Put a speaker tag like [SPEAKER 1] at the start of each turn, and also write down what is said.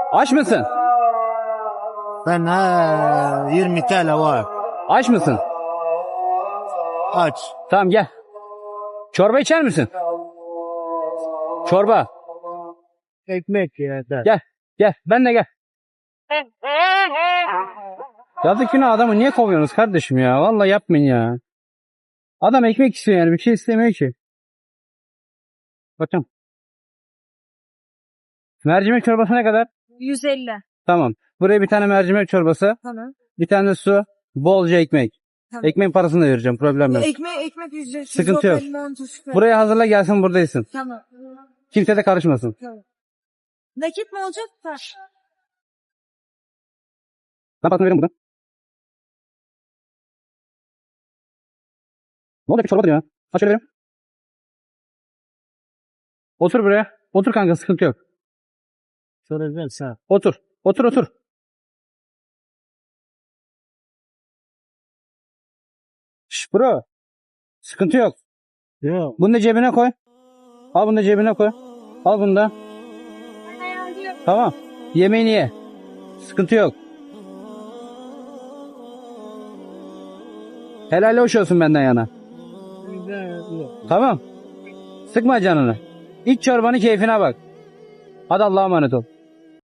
[SPEAKER 1] Aç mısın?
[SPEAKER 2] Ben 20 TL var.
[SPEAKER 1] Aç mısın?
[SPEAKER 2] Aç.
[SPEAKER 1] Tamam gel. Çorba içer misin? Çorba.
[SPEAKER 2] Ekmek yeter.
[SPEAKER 1] Gel. Gel. Benle gel. Yazık günah adamı niye kovuyorsunuz kardeşim ya? Vallahi yapmayın ya. Adam ekmek istiyor yani. Bir şey istemiyor ki. Bakın. Mercimek çorbası ne kadar?
[SPEAKER 3] 150.
[SPEAKER 1] Tamam. Buraya bir tane mercimek çorbası.
[SPEAKER 3] Tamam.
[SPEAKER 1] Bir tane de su. Bolca ekmek.
[SPEAKER 3] Tamam.
[SPEAKER 1] Ekmek parasını da vereceğim. Problem yok.
[SPEAKER 3] Ekmek ücretsiz.
[SPEAKER 1] Sıkıntı yok.
[SPEAKER 3] Limon, tuz, biber.
[SPEAKER 1] Buraya hazırla gelsin buradaysın.
[SPEAKER 3] Tamam.
[SPEAKER 1] Kimse de karışmasın.
[SPEAKER 3] Tamam. Nakit mi olacak?
[SPEAKER 1] Ben parasını veririm burada. Ne olacak bir çorbadır ya? Aç şöyle verim. Otur buraya. Otur kanka sıkıntı yok.
[SPEAKER 2] Şöyle ver sen.
[SPEAKER 1] Otur. Otur otur. Şş bro. Sıkıntı yok.
[SPEAKER 2] Yok.
[SPEAKER 1] Bunu da cebine koy. Al bunu da cebine koy. Al bunu da. Tamam. Yemeğini ye. Sıkıntı yok. Helal hoş olsun benden yana. Tamam. Sıkma canını. İç çorbanı keyfine bak. Hadi Allah'a emanet ol.